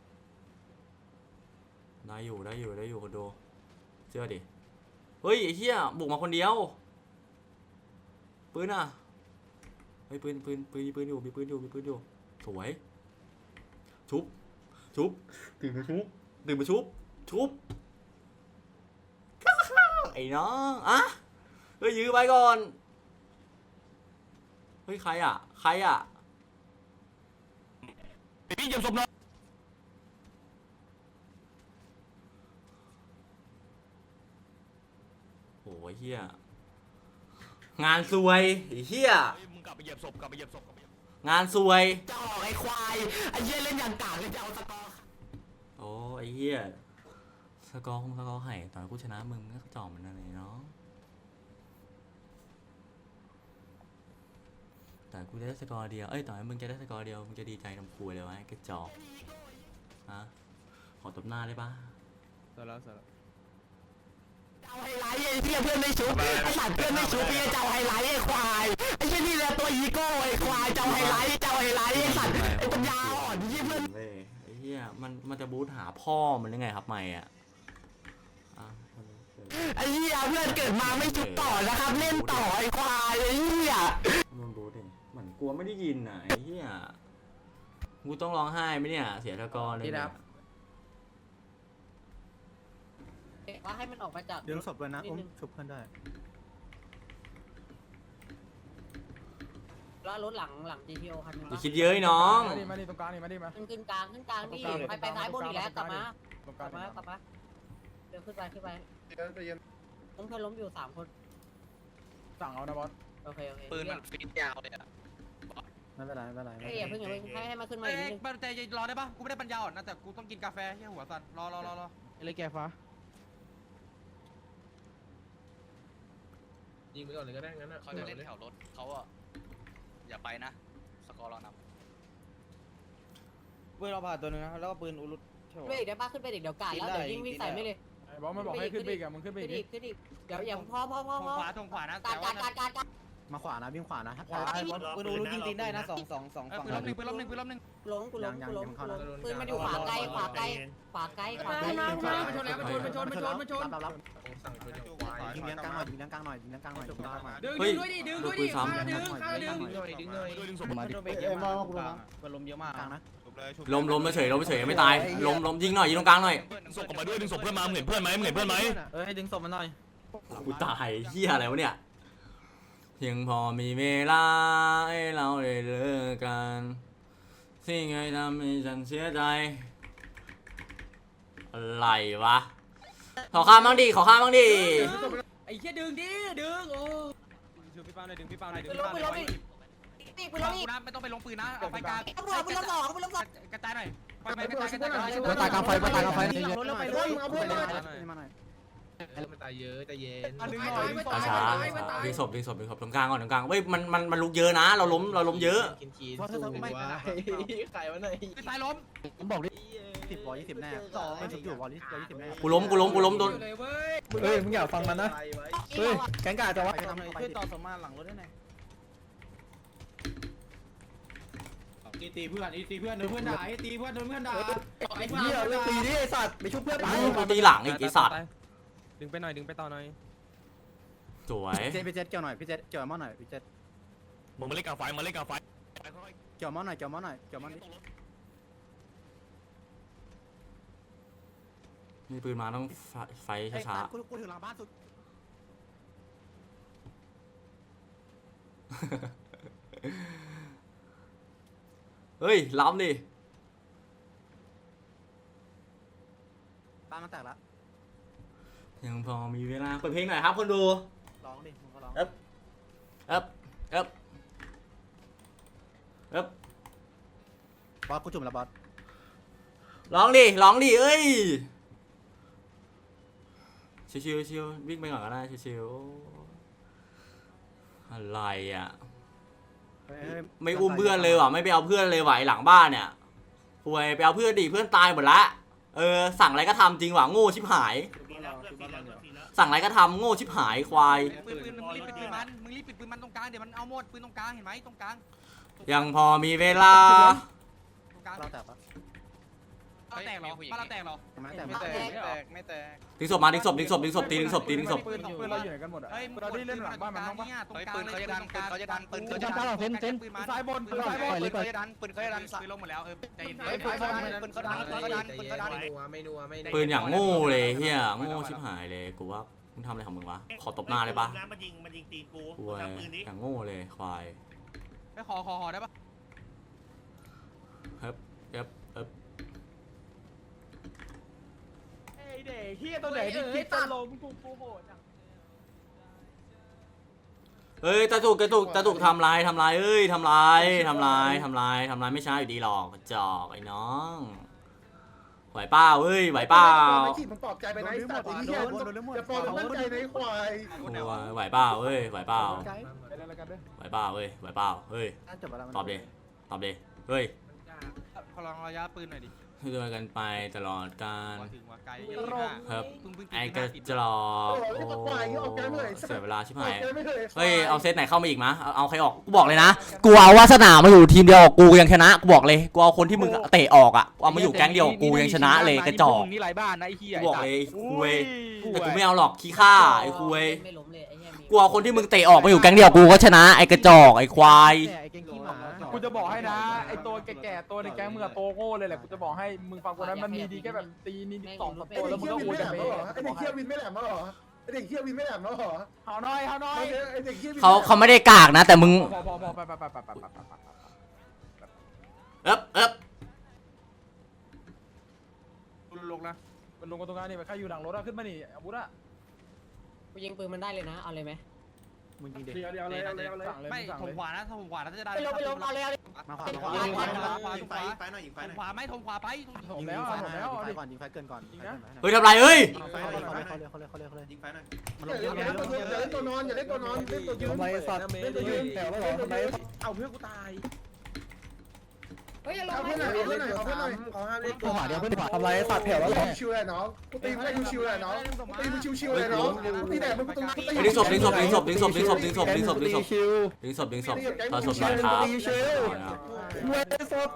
Speaker 4: ได้อยู่ได้อยู่ได้อยู่คนดูเชื่อดิเฮ้ยไอ้เหี้ยบุกมาคนเดียวปืนอ่ะเฮ้ยปืนปืนปืนปืนอยู่มีปืนอยู่มีปืนอยู่สวยชุบชุบตื่นมาชุบตื่นมาชุบชุบไอ้น้องอะเฮ้ยยื้อไปก่อนเฮ้ยใครอ่ะใครอ่ะ
Speaker 10: พี่เหยียบศพน้อง
Speaker 4: โอ้ยเฮียงานซวยไอ้เฮีย
Speaker 10: มึงกลับไปเหยียบศพ กลับไปเหยียบศพ
Speaker 4: งานซวย
Speaker 3: จะออกไอ้ควายไอ้เหี้ยเล่นอย่างกากเลยจะเอาสกอร์
Speaker 4: โอ้ไอ้เฮียสกอร์คงสกอร์ไห่ตอนกูชนะมึงก็จ่อมันนั่นเลยเนาะแต่กูได้สกอร์เดียวเอ้ยต่อให้มึงจะได้สกอร์เดียวมึงจะดีใจทำคุยเลยวะกระจอกฮะขอตบหน้าได้ปะ
Speaker 3: เสร็จแล้วเสร็จแล้วเอาไฮไลท์ไอ้เหี้ยเพื่อนไม่ชุบไอ้สัตว์เพื่อนไม่ชุบพี่จะเอาไฮไลท์ไอ้ควายไอ้เหี้ยนี่แหละตัวอีโก้ไอ้ควายจะเอาไฮไลท์จะเอาไฮไลท์ไอ้สัตว์ไอ้ปัญญาอ่อนไอ้เหี้ยเพื่อน
Speaker 4: เว้ยไอ้เฮียมันมันจะบูทหาพ่อมันยังไงครับไม่อะอ่ะ
Speaker 3: ไอ้เหี้ยเพื่อนเกิดมาไม่ชุบต่อนะครับเล่นต่อไอ้ควายไอ้เหี้ย
Speaker 4: โดนบูทเองเหมือนกลัวไม่ได้ยินอ่ะไอ้เฮียกูต้องร้องไห้ไหมเนี่ยเสียสกอร์เลยเนี่ย
Speaker 8: ว่าให้มันออกมาจาก
Speaker 3: เดี๋ยวศพเลยนะอุ้มชุบเพื่อนได้
Speaker 8: แล้วรถหลังหลัง จี ที โอ คันนึง
Speaker 4: อย่าคิดเยอะไอ้น้อง
Speaker 3: มาดิมาดิตรงกลางนี่มาดิมา
Speaker 8: ขึ้นขึ้นกลางขึ้นกลางนี่ไปไปซ้ายบนอีกแล้วกลับมากลับมากลับมาเดี๋ยวขึ้นไปขึ้นไปต้องเพื่อนล้มอยู่สามคน
Speaker 3: สั่งเอานะบอส
Speaker 8: โอเคโอเค
Speaker 6: ปืนมันฟีดยาวเลยอะ
Speaker 3: ไม่เป็นไรไม่เป็นไร
Speaker 8: เฮ้ยอย่าเพิ่งอย่าเพิ่งให้ให้มาขึ้นมา
Speaker 1: เอ้
Speaker 8: อีก
Speaker 1: ย
Speaker 8: นิดนึง
Speaker 1: บ้านใจเย็นรอได้ปะกูไม่ได้ปัญญาอ่อนนะแต่กูต้องกินกาแฟเฮียหัวสั่นรอรอรอรอ
Speaker 3: เลยแกฟ้า
Speaker 2: ยิงไปก่อนเลยก็ได้งั้นอ่ะ
Speaker 6: เขาจะเล่นแถวรถเขาอะอย่าไปนะสกอร์เราน
Speaker 2: ปืนเราผ่าตัวนึงนะแล้วก็ปืนอุลุต
Speaker 8: ขึ้นไปอีกได้ปะขึ้นไปอีกเดี๋ยวกาดแล้วเดี๋ยวยิงวิ่งใส่ไม่เลย
Speaker 5: บอสมันบอกให้ขึ้นไปอีกอะมึงขึ้นไป
Speaker 8: ขึ้น
Speaker 5: อี
Speaker 8: อี
Speaker 5: ก
Speaker 8: กขึ้นอีกเดี๋ยวอย่าพอพอพอ
Speaker 1: ทง
Speaker 8: พอ
Speaker 1: ขวาทงขวานะ
Speaker 8: การการการการการ
Speaker 5: มาขวานะวิ่งขวานะ
Speaker 2: ขวาปืนอุลุตยิงตีนได้นะสองสองสอง
Speaker 1: เออ
Speaker 2: ฝั่ง
Speaker 1: ปืนล้มหนึ่งปืนล้มหนึ่งปืนล้มหนึ่ง
Speaker 8: ล้มกูล้มกูล้มกูล้มปืนมันอยู่ขวาไกลขวาไกลขวาไกลขวาไกล
Speaker 5: มามามาชนแล้วมาชนมาชนมาชนมาชนรับรับ
Speaker 9: สั่งปืนจากขวา
Speaker 5: ยิงเลี้ยงกลางหน่อยยิงเลี้ยงกลางหน่อยยิงเลี้ยงกลางหน่อยยิงเลี้ยงกลางหน่อย
Speaker 4: เฮ้ยดึงด้วยดิดึงดึง
Speaker 5: ดึงดึงเลย
Speaker 10: ด้วยดึงศพ
Speaker 5: มาดิ
Speaker 2: เอ้ยมากูล้มปืนล้มเยอะมาก
Speaker 5: กลางนะ
Speaker 4: ล้มล้มเฉยล้มเฉยไม่ตายล้มล้มยิงหน่อยยิงตรงกลางหน่อย
Speaker 10: ดึงศพออกมาด้วยดึงศพเพื่อนมามึงเห็นเพื่อนไหมมึงเห็นเพื่อนไหม
Speaker 5: เอ้ยให้ดึงศพมันหน่อย
Speaker 4: กูตายเหี้ยอะไรวะเนี่ยเพียงพอมีเวลาให้เราได้เลิกกันสิ่งใดทำให้ฉันเสียใจอะไรวะขอข้ามบ้างดิขอข้ามบ้างดิ
Speaker 1: ไอ้เหี้ยดึงดิดึงโอ้ดึงพี่เป้าหน่อยดึงพี่เป้าหน่อยดึง
Speaker 8: ปืน
Speaker 1: พี่
Speaker 8: ล้ม
Speaker 1: เป้าห
Speaker 8: ปื
Speaker 1: น่
Speaker 8: น
Speaker 1: อ
Speaker 8: ล้ม
Speaker 1: ย
Speaker 8: อีกปืนล้มอีก
Speaker 1: นะไม่ต้องไปลงปืนนะเอาไฟกลาง
Speaker 8: ตำรวจปืนล้มสองปืนล้มสอง
Speaker 1: กระจายหน่อยไฟไปกระจายกระจายกระจาย
Speaker 5: ปืนตายกลางไฟปืนตายกลางไฟ
Speaker 2: หลังรถแล้วไปเลยมึงเอาเพื่อนหน่อย
Speaker 5: มาหน่อย
Speaker 9: มันตายเยอะใจเย็น
Speaker 2: ดึงหน่อย
Speaker 4: ช้าช้าดึงศพดึงศพดึงศพตรงกลางก่อนตรงกลางเว้ยมันมันมันลุกเยอะนะ เราล้มเราล้มเยอะ
Speaker 9: กินคีน
Speaker 5: เพราะเธอไม่
Speaker 2: ไข่วันไหน
Speaker 1: ปืนซ้ายล้ม
Speaker 5: ผมบอกดิสิบวอลยี่สิบแน่เป็นสิบอยู่วอลยี่สิบแน่
Speaker 4: กูล้มกูล้มกูล้มโดน
Speaker 1: เลยเว้ย
Speaker 5: เฮ้ยมึงอย่าฟังมันนะเฮ้ยแกงกาจะวะ
Speaker 2: ช่วยต่อสมมาหลังรถได้ไหนตีตีเพื่อนตีเพื่อนโดนเพื่อนด่าตีเพื่อนโดนเพื่อนด่าไอ้
Speaker 5: เหี้ยเรื่องตีดิไอ้สัตว์ไปชุบเพื่อนไป
Speaker 4: กูตีหลังอีกไอ้สัตว์
Speaker 1: ดึงไปหน่อยดึงไปต่อหน่อย
Speaker 4: สวย
Speaker 5: เจพี่เจเกี่ยวหน่อยพี่เจเกี่ยวมอหน่อยพี่เจ
Speaker 10: มึงมาเล่นกลางไฟมาเล่นกลางไฟ
Speaker 5: เกี่ยวมอหน่อยเกี่ยวมอหน่อยเกี่ยวมอดิ
Speaker 4: มีปืนมาต้องไฟช้า
Speaker 5: กูกูถึงหลังบ้านสุด
Speaker 4: ๆเฮ้ยล้ำดิ
Speaker 5: บ้านมันแตกละ
Speaker 4: ยังพอมีเวลาเปิดเพลงหน่อยครับคนดู
Speaker 5: ร้องดิมึงก็ร้อง
Speaker 4: เอ๊บเอ๊บเอ๊บเอ๊บบ
Speaker 5: อสกูจุ่มแล้วบอส
Speaker 4: ร้องดิร้องดิเอ้ยชิวๆชิววิ่งไปก่อนก็ได้ชิวๆอะไรอ่ะไม่อุ้มเพื่อนเลยว่ะไม่ไปเอาเพื่อนเลยว่ะไอ้หลังบ้านเนี่ยป่วยไปเอาเพื่อนดิเพื่อนตายหมดละเออสั่งอะไรก็ทำจริงว่ะโง่ชิบหาย
Speaker 7: ปีแล้วเพื่อนปีแล้วเพื่อนปีแล้ว
Speaker 4: สั่งอะไรก็ทำโง่ชิบหายควาย
Speaker 1: ปืนปืนมึงรีบปิดปืนมันมึงรีบปิดปืนมันตรงกลางเดี๋ยวมันเอาหมดปืนตรงกลางเห็นไหมตรงกลาง
Speaker 4: ยังพอมีเวลา
Speaker 1: ตรงกลาง
Speaker 5: เราแตกปะ
Speaker 1: บ้านเราแตกเหรอบ้านเราแตกเหรอ
Speaker 5: ไม่แตก
Speaker 2: ไม่แตกไม่แตกไม่แตก
Speaker 4: ดึงศพมาดึงศพดึงศพดึงศพตีดึงศพตีดึงศพ
Speaker 2: ปืนปืนเราอยู่ไหนกันหมดอ่ะ
Speaker 1: เฮ้ยมึงเราได้เล่นหลังบ้านมันบ้างปะตรง
Speaker 6: เฮ้ย
Speaker 1: กลาง
Speaker 6: ปืนเขาจะดันปืนเขาจะดันปืนเขาจะ
Speaker 5: จำ
Speaker 6: ดั
Speaker 5: ตาน หลังเซนเซน
Speaker 2: ซ้ายบน
Speaker 6: ปืนเขาจะดันปืนเขาจะดัน
Speaker 1: ปืนลงหมดแล้วเออใจเย็น
Speaker 6: ปืนเขาดันปืนเขาดันปืนเขาดันปืนเขาดัน
Speaker 9: ไม่นัวไม่นัวไม่นัว
Speaker 4: ปืนอย่างโง่เลยเฮียโง่ชิบหายเลยกูว่ามึงทำอะไรของมึงวะขอตบหน้าเลยปะ
Speaker 7: มันยิงมันยิงตีนกู
Speaker 4: กูว่า
Speaker 7: ทำปืนนี้
Speaker 4: อย่างโง่เลยควาย
Speaker 1: ไปขอขอขอได้ปะ
Speaker 4: เฮ้ยเอ๊บเอ๊บ
Speaker 2: เด็กเฮียตัวไหนที่คิดจะล้มกูกูโหดจัง
Speaker 4: เฮ้ยตาตุกตาตุกตาตุกทำลายทำลายเอ้ยทำลายทำลายทำลายทำลายไม่ช้าอยู่ดีหรอกกระจอกไอ้น้องไหวเป้าเอ้ยไหวเป้า
Speaker 2: มันปลอบใจไปไหนสัตว์ไอ้เหี้ยจะปลอบมั่นใจในควาย
Speaker 4: ไหวเป้าเอ้ยไหวเป้า
Speaker 2: ไปเล่นอะไรกันด้วย
Speaker 4: ไหวเป้าเอ้ยไหวเป้าเฮ้ย
Speaker 5: จบแล้ว
Speaker 4: ตอบดิตอบดิเฮ้ย
Speaker 1: พลังระยะปืนหน่อยดิ
Speaker 4: ด้วยกันไปตลอดกาล
Speaker 1: ถึงว่าไกล
Speaker 4: ครับ
Speaker 1: เพิ่งเพิ่ง
Speaker 4: ไอ้กระจอกโอ้เสียเวลาชิบหายเฮ้ยเอาเซตไหนเข้ามาอีกมะเอาเอาใครออกกูบอกเลยนะกูเอาวาสนามาอยู่ทีมเดียวกับกูยังชนะกูบอกเลยกูเอาคนที่มึงเตะออกอ่ะกูเอามาอยู่แก๊งเดียวกับกูยังชนะเลยกระจอก
Speaker 1: นี่ไรบ้านนะไอ้เหี้ย
Speaker 4: กูบอกเลยคุยแต่กูไม่เอาหรอกขี้ข้าไอ้คุย
Speaker 8: ไม่ล้มเลยไอ้เหี้ยมี
Speaker 4: กูเอาคนที่มึงเตะออกมาอยู่แก๊งเดียวกูก็ชนะไอ้กระจอกไอ้ควาย
Speaker 2: กูจะบอกให้นะไอตัวแก่ๆตัวในแก๊งมึงอะโตโง่เลยแหละกูจะบอกให้มึงฟังคนนั้นมันมีดีแค่แบบตีนิดสองตัวแล้วมึงก็อวยกันไปไอเด็กเขี้ยววินไม่แหลมมาหรอไอเด็กเขี้ยววินไม่แหลมมาหรอเฮาน้อยเฮาน้อยไอเด็กเขี้ยววิน
Speaker 4: เขาเขาไม่ได้กากนะแต่มึง
Speaker 2: พอพอพอไปไปไปไปไปไป
Speaker 4: เอ๊บเอ๊บ
Speaker 2: ลงนะมันลงกันตรงนั้นนี่ไปใครอยู่หลังรถอะขึ้นมานี่อาวุธอะ
Speaker 8: กูยิงปืนมันได้เลยนะเอาเลยไหม
Speaker 5: มึงยิงดิ
Speaker 2: เดี๋ยวเดี๋ยวเลยเอาเลยเอาเลย
Speaker 1: ไม่ถมขวานะถมขวานะจะได้
Speaker 8: ไปลงไปลงเอาเลยเอาเลย
Speaker 5: มาขวา
Speaker 1: ขวาขวาขวา
Speaker 9: ยิงไฟไฟหน่อยยิงไฟ
Speaker 1: ถ
Speaker 9: หน่อย
Speaker 1: มขวาไหมถมขวาไป
Speaker 2: ผมแล้วผมแล้ว
Speaker 5: ยิงไฟ
Speaker 2: ดิ
Speaker 5: ก่อนยิงไฟเกินก่อน
Speaker 4: เฮ้ยทำไรเอ้ย
Speaker 5: เขาเลยเขาเลยเขาเลยเขาเลยเขาเลยเขาเลย
Speaker 9: ยิงไฟหน่อย
Speaker 5: มันลงเยอะ
Speaker 2: อย่าเล่นตัวอย่าเล่นตัวนอนอย่าเล่นตัวนอนเล่นตัวยืน
Speaker 5: ทำไมสัตว์เล่นตัวยืนแต่ว่าหรอทำไม
Speaker 2: เอาเพื่อนกูตาย
Speaker 8: ฮ้ยอย่าลง
Speaker 2: เอา
Speaker 8: ไป
Speaker 2: เพื่อนหน่อยเอาเพื่อนหน่อยเอาเพื่อนหน่อย
Speaker 9: เขาห้ามเล่น
Speaker 5: ขวาเดียวเพื่อนขวาทำไรสัตว์แผ่วแล้วเหรอ
Speaker 2: ชิวๆเลยน้องกูตีมึงได้ชิวๆเลยน้องกูตีมึงชิวๆเลยน้องตีแต่มึงกูตรงนั้นกูตี
Speaker 4: ดึงศพดึงศพดึงศพดึงศพดึงศพดึงศพดึงศพดึงศพ
Speaker 5: ชิว
Speaker 4: ดึงศพดึงศพถอดศพหน่อยครับ
Speaker 5: เว้ยศพ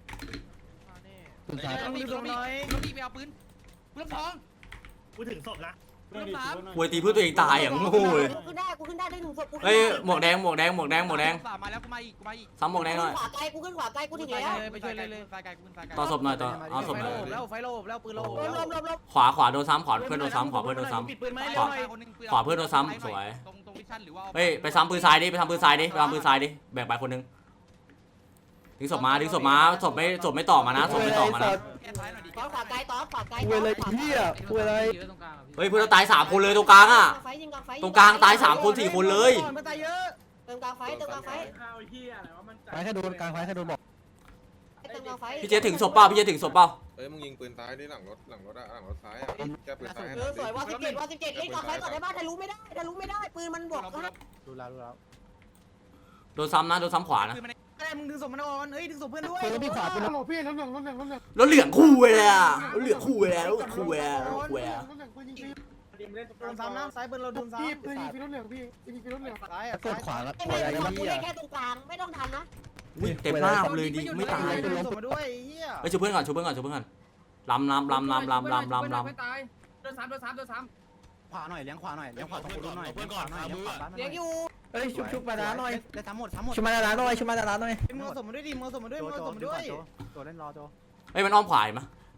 Speaker 1: ต้องรีบต้องรีบต้องรีบไปเอาปืนปืนสอง
Speaker 7: กูถึงศพนะ
Speaker 1: ปืนสาม
Speaker 4: ควยตีเพื่อตัวเองตายอย่างโง่เลย
Speaker 8: กูขึ้นได้กูขึ้นได้ได้หนึ่งศพกู
Speaker 4: เฮ้ยหมวกแดงหมวกแดงหมวกแดงหมวกแดง
Speaker 1: สามมาแล้วกูมาอีกกูมาอีก
Speaker 4: ซ้ำหมวกแดงหน่อย
Speaker 8: ขวาไกลกูขึ้นขวาไกลกูถึงแล้ว
Speaker 1: ไปช่วยเลยเลยไฟไกลกูเป็นไฟไกล
Speaker 4: ต่อศพหน่อยต่อเอาศพ
Speaker 1: ไฟ
Speaker 4: หน่อย
Speaker 1: โลบแล้วไฟโลบแล้วปืนโลบ
Speaker 8: ลมลมลมลม
Speaker 4: ขวาขวาโดนซ้ำขวาเพื่อนโดนซ้ำขวาเพื่อนโดนซ้ำ
Speaker 1: ปิดปืนไหม
Speaker 4: ขวา
Speaker 1: คนนึง
Speaker 4: ขวาเพื่อนโดนซ้ำสวย
Speaker 1: ตรงตรงวิชั่นหรือว่า
Speaker 4: เฮ้ยไปซ้ำปืนซ้ายดิไปซ้ำปืนซ้ายดิไปซ้ำปืนซ้ายดิแบ่งไปคนนึงดึงศพมาดึงศพมาศพไม่ศพไม่ต่อมานะศพไม่ต่อมานะ
Speaker 1: แก้ท้ายหน่อยดิ
Speaker 8: ตอนขวาไกลตอนขวาไกล
Speaker 5: เว้ยเลยเหี้ยเว้ยเลย
Speaker 4: เฮ้ยเพื่อนเราตายสามคนเลยตรงกลางอ่ะ
Speaker 8: ไฟยิงกลางไฟ
Speaker 4: ตรงกลางตายสามคนสี่คนเลย
Speaker 1: มันตายเยอะ
Speaker 8: เติมกลางไฟเติมกลางไฟ
Speaker 5: ไฟแค่โดนกลางไฟแค่โดนบอก
Speaker 8: เติมกลางไฟ
Speaker 4: พี่เจถึงศพเปล่าพี่เจถึงศพเปล่า
Speaker 9: เอ้ยมึงยิงปืนซ้ายดิหลังรถหลังรถอะหลังรถซ้ายอะแก้ปืนซ้ายให้ห
Speaker 8: เอ
Speaker 9: น่อ
Speaker 8: อย สวยว่าสิบเจ็ดว่าสิบเจ็ดเล่นกลางไฟก่อนได้บ้านทะลุไม่ได้ทะลุไม่ได้ปืนมันบวกนะ
Speaker 5: ดูแล้วดูแล้ว
Speaker 4: โดนซ้ำนะโดนซ้ำขวานะ
Speaker 1: อะไรมึงดึงศพมันอ่อนเฮ้ยดึงศพเพื่อนด้วย
Speaker 5: ปืนพี่ขวาปืน
Speaker 2: โหลพี่รถเหลืองรถเหลืองรถเหลือง
Speaker 4: แล้วเหลืองคู่เลยอ่ะแล้วเหลืองคู่เลยแล้วคู่เลยแล้วคู่เลย
Speaker 2: รถเหลืองปืนยิงฟรี
Speaker 1: โดนซ้ำนะซ้ายปืนเราโดนซ้ำ
Speaker 2: พี่ปืนยิงฟรีรถเหลืองพี่ยิงฟรีรถเหลือง
Speaker 1: ซ้ายอ่ะ
Speaker 5: กดขวาแล้ว
Speaker 8: ไม่
Speaker 5: ขวา
Speaker 8: ไม่
Speaker 5: ใหญ่
Speaker 8: ไม่
Speaker 5: เหี้ย
Speaker 8: เล่นแค่ตรงกลางไม่ต้องทันนะ
Speaker 4: เต็มหน้าเลยดิไม่ตาย
Speaker 1: ดึงศพมาด้วยเฮีย
Speaker 4: ไปช่วยเพื่อนก่อนช่วยเพื่อนก่อนช่วยเพื่อนก่อนลำลำลำลำลำลำลำลำ
Speaker 1: โดนซ้ำโดนซ้ำโดนซ้
Speaker 3: ขวาหน่อยเลี้ยงขวาหน่อยเลี้ยงขวาตรงกูหน่อย
Speaker 10: เพื่อนก่อนเอามือ
Speaker 8: เลี้ยงอยู่
Speaker 5: เฮ้ยชุบชุบมาด้าหน่อย
Speaker 3: ได้ทั้งหมดทั้งหมด
Speaker 5: ชุบมาด้าหน่อยชุบมาด้าหน่อย
Speaker 1: ำมือศพมาด้วยดิมือศพมาด้วยมือศพมาด้วย
Speaker 3: โจเล่นรอโจ
Speaker 4: เฮ้ยมันอ้อมขวาเห็นไหม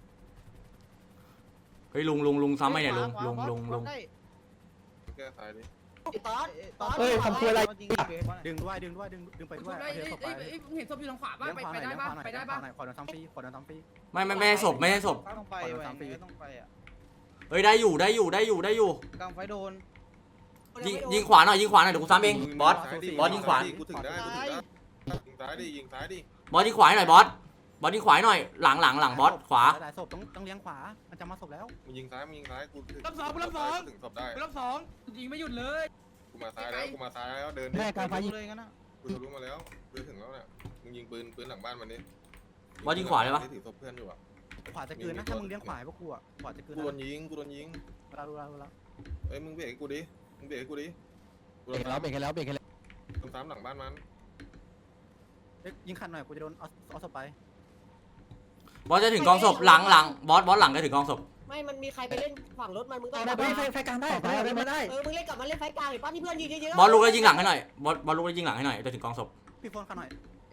Speaker 4: เฮ้ยลุงลุงลุงซ้ำไหมเนี่ยลุงลุงลุงลุง
Speaker 9: แก้ซ้ายดิ
Speaker 8: ตอนตอน
Speaker 5: เฮ้ยทำตัวอะไร
Speaker 3: ดึงด้วยดึงด้วยดึงดึงไปด้วย
Speaker 1: เห็นศพอยู่ทางขวา
Speaker 3: เลี้ยงขวาหน่อยเลี้ยงขวาหน่อยไปได้ป่ะขวาโดนทั้งปีขวาโดนทั้งปี
Speaker 4: ไม่ไม่ไม่ให้ศพไม่ให้ศพ
Speaker 1: ต้องไปแหวนต้องไปอ่ะ
Speaker 4: เฮ้ยได้อยู่ได้อยู่ได้อยู่ได้อยู่
Speaker 1: กลางไฟโดน
Speaker 4: ยิงยิงขวาหน่อยยิงขวาหน่อยเดี๋ยวกูซ้ำเองบอส บอสยิงขวา
Speaker 9: กูถึงได้กูถึงได้ยิงซ้ายดิยิงซ้ายดิ
Speaker 4: บอสยิงขวาให้หน่อยบอสบอสยิงขวาให้หน่อยหลังหลังหลังบอสขวา
Speaker 3: หลายศพต้องต้องเลี้ยงขวามันจะมาศพแล้ว
Speaker 9: มึงยิงซ้ายมึงยิงซ้ายกูถึง
Speaker 1: รับสองรับสอง
Speaker 9: ถึงศพได้
Speaker 1: รับสองยิงไม่หยุดเลย
Speaker 9: กูมาซ้ายแล้วกูมาซ้ายแล้วเดิน
Speaker 5: แม่กลางไฟยิง
Speaker 1: เลยงั้นนะ
Speaker 9: กูทะลุมาแล้วเดินถึงแล้วเนี่ยมึงยิงปืนปืนหลังบ้านมันนี่
Speaker 4: บอสยิงขวาได้ปะ
Speaker 9: ถือศพเพื่อนอยู่อะ
Speaker 3: ขวาจะกืนนะถ้ามึงเลี้ยงขวาพวกกูอ่ะขวาจะกืน
Speaker 9: กูโดนยิงกูโดนยิง
Speaker 3: เราเราเรา
Speaker 9: เอ้ยมึงเบรกให้กูดิมึงเบรกให้กูดิกู
Speaker 5: เบร
Speaker 9: โด
Speaker 5: ก
Speaker 9: น
Speaker 5: แล้วเบรกแล้วเบรกแล้ว
Speaker 9: โดนซ้ำหลังบ้านมัน
Speaker 3: ยิงขันหน่อยกูจะโดนเอาเอาศพไป
Speaker 4: บอสจะถึงกองศพหลังหลังบอสบอสหลังจะถึงกองศพ
Speaker 8: ไม่มันมีใครไปเล่นฝั่งรถมันมึงต้อง
Speaker 5: ได้ไฟไฟกลางได้ไฟไม่ได้
Speaker 8: เออมึงเล่นกลับมาเล่นไฟกลางหรือป้าที่เพื่อนยิงเยอะ
Speaker 4: บอสลุกแล้วยิงหลังให้หน่อยบอสบอสลุกแล้วยิงหลังให้หน่อยจะถึงกองศพ
Speaker 3: พี่โฟนขันหน่อย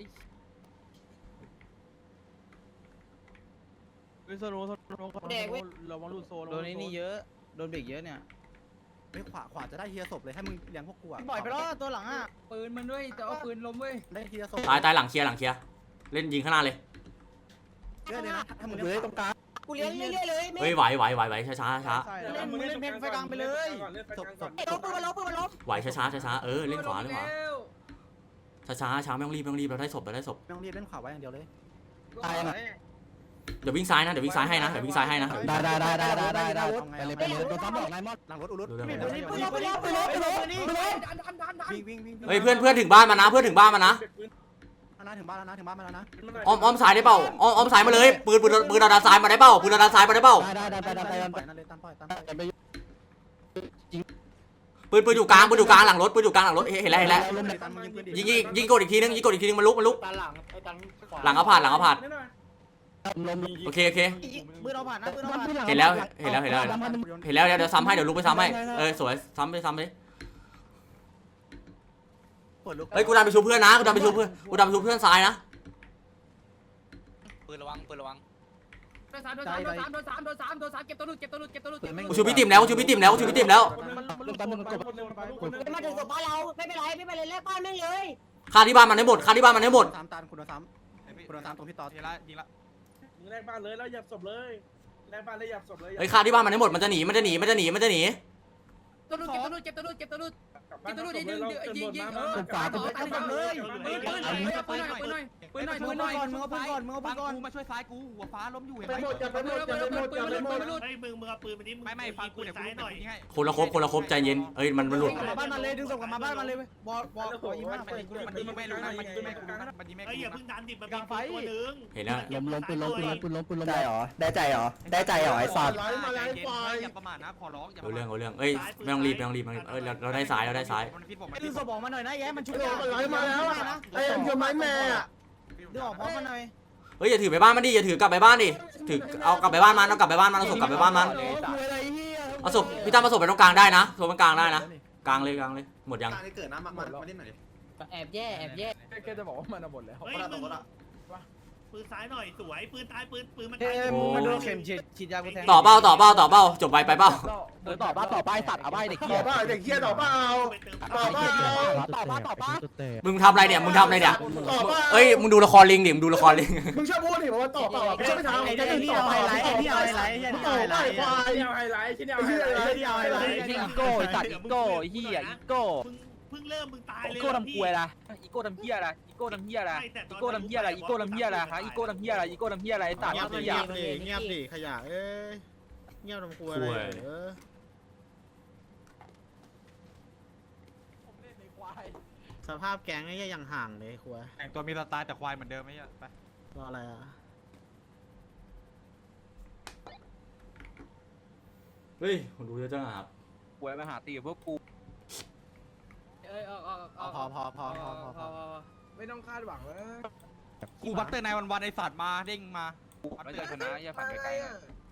Speaker 8: แดกเว้ย
Speaker 1: โดนนี่เยอะโดนเบรกเยอะเนี่ย
Speaker 3: ไปขวาขวาจะได้เฮียศพเลยให้มึงเลี้ยงพวกกูอ่ะ
Speaker 1: ปล่อยไปแล้วตัวหลังอ่ะปืนมันด้วยแต่ว่าปืนล้มเว้ย
Speaker 3: ได้เฮียศพ
Speaker 4: ตายตายหลังเคลียร์หลังเคลียร์เล่นยิงข้างหน้าเลย
Speaker 3: เยอะเลยนะถ้ามึง
Speaker 5: เล
Speaker 3: เลี้ย
Speaker 5: ย
Speaker 3: ง
Speaker 5: ตรงกลาง
Speaker 8: กูเลี้ยงเรื่อยๆเลย
Speaker 4: เฮ้ยไหวไหวไหวไหวช้าช้าช้า
Speaker 1: เล่นมึงเล่นเพลงไฟกลางไปเลย
Speaker 3: ศพศพ
Speaker 8: ล้มปืนมันล้มปืนมันล้ม
Speaker 4: ไหวช้าช้าช้าช้าเออเล่นขวาเล่นขวาช้าช้าช้าไม่ต้องรีบไม่ต้องรีบเราได้ศพเราได้ศพ
Speaker 3: ไม่ต้องรีบเล่นขวาไว้อย่างเดียวเลย
Speaker 5: ตายนะ
Speaker 4: เดี๋ยววิ่งซ้ายนะเดี๋ยววิ่งซ้ายให้นะเดี๋ยววิ่งซ้ายให้นะ
Speaker 5: ได้ได้ได้ได้ได้ได้ได้ไปเลยไปเลยโดนซ้ำบอกนายมอด
Speaker 3: หลังรถอุรุต
Speaker 4: ดูได้ไหม
Speaker 8: ปืนล้มปืนล้มปืนล้มปืนล้มปืนล้ม
Speaker 3: วิ่งวิ่งวิ่ง
Speaker 4: เฮ้ยเพื่อนเพื่อนถึงบ้านมานะเพื่อนถึงบ้านมานะ
Speaker 3: นะถึงบ้านแล้วนะถึงบ้านมาแล้วนะ
Speaker 4: อ้อมอ้อมซ้ายได้เปล่าอ้อมอ้อมซ้ายมาเลยปืนปืนปืนเราด้านซ้ายมาได้เปล่าปืนเราด้านซ้ายมาได้เปล่า
Speaker 5: ได้ได้ได้ได้ได้
Speaker 3: ปล่อยนั่นเลยตามปล่อยตามปล่อย
Speaker 5: ไป
Speaker 4: ปืนปืนอยู่กลางปืนอยู่กลางหลังรถปืนอยู่กลางหลังรถเห็นแล้วเห็นแล้ว
Speaker 3: ตามมึงยิงปืนดิ
Speaker 4: ยิงยิงยิงกดอีกทีนึงยิงกดอีกทีนึงมันลุกมันลุก
Speaker 2: ตาหลังไอ้ตัน
Speaker 4: หลังเอาผ่านหลังเอาผ่าน
Speaker 5: ลม
Speaker 4: โอเคโอเค
Speaker 1: ปืนเราผ่านนะปืนเราผ่าน
Speaker 4: เห็นแล้วเห็นแล้วเห็นแล้วเห็นแล้วเดี๋ยวเดี๋ยวซ้ำให้เดี๋ยวลุกไปซ้ำให้เออสวยซ้ำไปซ้ำไป
Speaker 3: เปิดลูก
Speaker 4: เฮ้ยกูดันไปชูเพื่อนนะกูดันไปชูเพื่อนกูดันไปชูเพื่อนซ้ายนะ
Speaker 6: ปืนระวังปืนระวัง
Speaker 1: โดนสามโดนสามโดนสามโดนสามโดนสามโดนสามเก็บตัวหลุดเก็บตัวหลุดเก็บตัวหลุด
Speaker 4: กูชูพี่ติ๋มแล้วกูชูพี่ติ๋มแล้วกูชูพี่ติ๋มแล้ว
Speaker 5: ลมตามมึงกด
Speaker 8: มาถึงศพบ้านเราไม่เป็นไรไม่เป็นไรแลกบ้านแม่งเลย
Speaker 4: ฆ่าที่บ้านมันให้หมดฆ่าที่บ้านมันให้หมด
Speaker 3: สามตานคุณโดนสามคุณโดนสามตรงพี่ต่อ
Speaker 1: ยิงละยิงละ
Speaker 2: มึงแลกบ้านเลยแล้วหยับศพเลยแลกบ้านเลยหยับศพเลย
Speaker 4: เฮ้ยฆ่าที่บ้านมันให้หมดมันจะหนีมันจะหนีมันจะหนีมันจะหนี
Speaker 1: ตัวหลุดเก็บตัวหลุดเก็บตัวหลุดเก็บตัวหลุด
Speaker 2: ไปกินตัวนี้ดึงยิงยิงเออ
Speaker 5: ฝาตัว
Speaker 2: ตายเลยปืนปืนหน่อยปืนหน่อยปืนหน่อยปืนหน่อยปืนหน่อยมึงเอาปืนก่อนมึงเอาปืนก่อน
Speaker 1: กูมาช่วยซ้ายกูหัวฟ้าล้มอยู่เห็น
Speaker 2: ไป
Speaker 1: ไหม
Speaker 2: หมดจะไปหมดจะไปหมดจะไปหมด
Speaker 7: เฮ้ยมึงมึงเอาปืนมาดิมึง
Speaker 1: ไม่ไม่ฟังกู
Speaker 7: ปืน
Speaker 1: เดี๋ยวกู
Speaker 7: ซ้ายหน่อย
Speaker 1: ยิงให้
Speaker 4: คนละครบคนละครบใจเย็นเอ้ยมันมันหลุด
Speaker 2: มาบ้านมันเลยดึงศพกลับมาบ้านมันเลยบอลบอลบอลยิง
Speaker 1: มั
Speaker 2: มัน น
Speaker 1: มันยิงกูมันยิงไม่รู้นะมันยิงไม่กูนะมันยิงไม่
Speaker 7: เฮ้ย
Speaker 1: กู
Speaker 7: อย่า
Speaker 1: นะ
Speaker 7: เพิ่งดันดิมันมีตัวนึง
Speaker 4: เห็นนะ
Speaker 5: ล้มล้มปืนล้มปืนล้มปืนล้มปืนล้มได้เหรอได้ใจเหรอได้ใจเหรอไอ้สัตว์
Speaker 2: มาแล้วไอ้ควาย
Speaker 1: อย่าประมาทนะขอร้องอย่า
Speaker 4: เอาเรื่องเอาเรื่องเอ้ยไม่ต้องรีบไม่ต้องรีบไม่ต้องรีบเอ้ยเราเราได้ซ้ายเราได้ซ้าย
Speaker 1: มันพิษผมมัน
Speaker 2: ดึ
Speaker 1: พิ
Speaker 2: ง
Speaker 1: ษ
Speaker 2: ศ
Speaker 1: ผ
Speaker 2: พ
Speaker 1: ม
Speaker 2: ออกมาหน่อยนะแย่มันชุบ
Speaker 3: มาแล้วอะไอ้เอ็มเกียวไม้แม่อะ
Speaker 2: ดึงออกพร้อมกันหน่อย
Speaker 4: เฮ้ยอย่าถือไปบ้านมันดิอย่าถือกลับไปบ้านดิถือเอากลับไปบ้านมันเอากลับไปบ้านมันเอาศพกลับไปบ้านมันเอาศพพี่ตั้มเอาศพไปตรงกลางได้นะศพตรงกลางได้นะกลางเลยกลางเลยหมดยัง
Speaker 3: เกิดนะมามาเล่นหน่อยดิ
Speaker 8: แอบแย่แอบแย่
Speaker 2: แกจะบอกว่ามันหมดแล้ว
Speaker 7: เฮ้ยมึงปืนซ้ายหน่อยสวยปืนตายปืนปืนมัน
Speaker 2: เฮ้
Speaker 7: ตาย
Speaker 2: ยมึงมาดูเข็มฉีดฉีดยากูแทง
Speaker 4: ต่อเป้าต่อเป้าต่อเป้าจบไปไปเป้า
Speaker 5: ต่อบ้าต่อป้ายสัตว์เอาใบเด็ก
Speaker 2: ต่อป่าเด็กเหี้ยต่อป่าต่อป่า
Speaker 5: ต่อบ้าต่อป้า
Speaker 4: มึงทำอะไรเนี่ยมึงทำอะไรเนี่ย
Speaker 2: ต่อป่า
Speaker 4: เอ้ยมึงดูละครลิงดิมึงดูละครลิง
Speaker 2: มึงชอบพูดดิว่าต่อป่าไม่ใช่ไม่ทำ
Speaker 3: ไอ้นี่เอาไฮไลท์ไอ้นี่เอาไฮไลท์ไอ้นี่
Speaker 2: ต่
Speaker 3: เอา
Speaker 2: อ
Speaker 3: ไฮไล
Speaker 2: ป่า
Speaker 3: ท์
Speaker 2: ควายไฮไลท์ที่นี่ไฮไลท์ที่เอาไฮไลท์
Speaker 3: อีโก้สัตว์อีโก้เฮียอีโก้
Speaker 7: เพิ่งเริ่มมึงตายเลย
Speaker 3: อีโก้ทำควยละอีโก้ทำเฮียอะไรอีโก้ทำเฮียอะไรอีโก้ทำเฮียอะไรอีโก้ทำเฮียอะไรฮะอีโก้ทำเฮียอะไรอีโก้ทำเฮียอะไรตัด
Speaker 8: เงียบ
Speaker 3: เฮี
Speaker 8: เงี
Speaker 3: ย
Speaker 8: ยบดิเงียบดิ
Speaker 3: ขยะเอ้ยเงียบทำควยอะไรเออสภาพแก๊งไอ้ยังห่างเลยควย
Speaker 1: แต่งตัวมีสไตล์แต่ควายเหมือนเดิมไหมอ่ะไป
Speaker 3: รออะไรอ่ะ
Speaker 4: เฮ้ยคนดูเยอะจังครับ
Speaker 3: ควยมาหาตีกับพวกกู
Speaker 8: เอ้ยเอาเอาเอา
Speaker 3: พอพอพอพอพอพอ
Speaker 2: ไม่ต้องคาดหวังเลย
Speaker 1: กูบัตเตอร์นายวันวันไอสัตว์มาเด้งมา
Speaker 3: ไม่ใช่ชนะอย่าฝันไกลๆนะ